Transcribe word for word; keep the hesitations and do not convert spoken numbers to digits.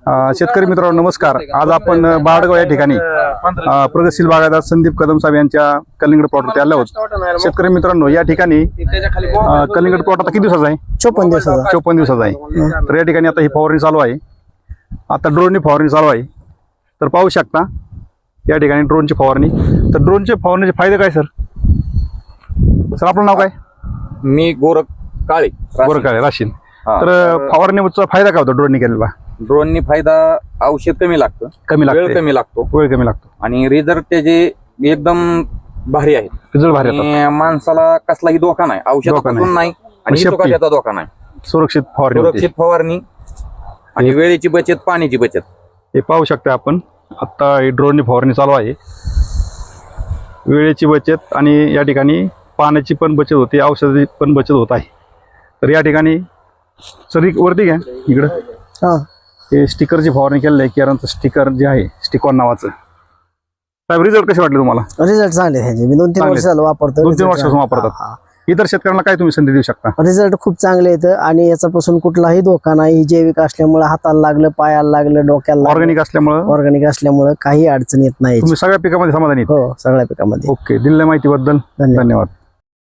शेतकरी मित्रांनो नमस्कार। आज आपण बाळगाव या ठिकाणी प्रगतशील बागायतदार संदीप कदम साहेब यांच्या कलिंगड प्लॉटवरती आलो आहोत। शेतकरी मित्रांनो या ठिकाणी कलिंगड प्लॉट आता किती दिवसाचा आहे? चोपन्न दिवसाचा चोपन्न दिवसाचा आहे। तर या ठिकाणी आता ही फवारणी चालू आहे, आता ड्रोननी फवारणी चालू आहे। तर पाहू शकता या ठिकाणी ड्रोनची फवारणी। तर ड्रोनचे फवारणीचे फायदे काय सर? सर आपलं नाव काय? मी गोरख काळे गोरख काळे राशीन। तर फवारणीचा फायदा काय होतो ड्रोननी केलेला? ड्रोननी फायदा औषध कमी लागतं, कमी लागतं, वेळ कमी लागतो वेळ कमी लागतो आणि रिझल्ट त्याचे एकदम भारी आहेत। रिझल्ट भारी येतात, आणि माणसाला कसलाही धोका नाही, औषधापासून नाही आणि शेपटी. त्याचा धोका नाही। सुरक्षित फवारणी होते। सुरक्षित फवारणी आणि वेळेची बचत, पाण्याची बचत। हे पाहू शकता आपण, आता ड्रोननी फवारणी चालू आहे। वेळेची बचत आणि या ठिकाणी पाण्याची पण बचत होते, औषधाची पण बचत होत आहे। तर या ठिकाणी सर वरती घ्या इकडं, हा हे स्टिकरची फवारणी केलेली आहे, केरांचं स्टिकर जे आहे स्टिकॉन नावाचं। साहेब रिझल्ट कसे वाटले तुम्हाला? रिझल्ट चांगले ह्याचे, मी दोन तीन चांगले. वर्ष झालं वापरतो। दोन तीन वर्षापासून वापरतात। इतर शेतकऱ्यांना काय तुम्ही संधी देऊ शकता? रिझल्ट खूप चांगले येतं आणि याच्यापासून कुठलाही धोका नाही। जैविक असल्यामुळे हाताला लागलं, पायाला लागलं, डोक्याला लागलं, ऑर्गॅनिक असल्यामुळे ऑर्गॅनिक असल्यामुळे काही अडचण येत नाही। तुम्ही सगळ्या पिकामध्ये समाधानी आहेत? हो, सगळ्या पिकामध्ये। ओके, दिलेल्या माहितीबद्दल धन्यवाद। धन्यवाद।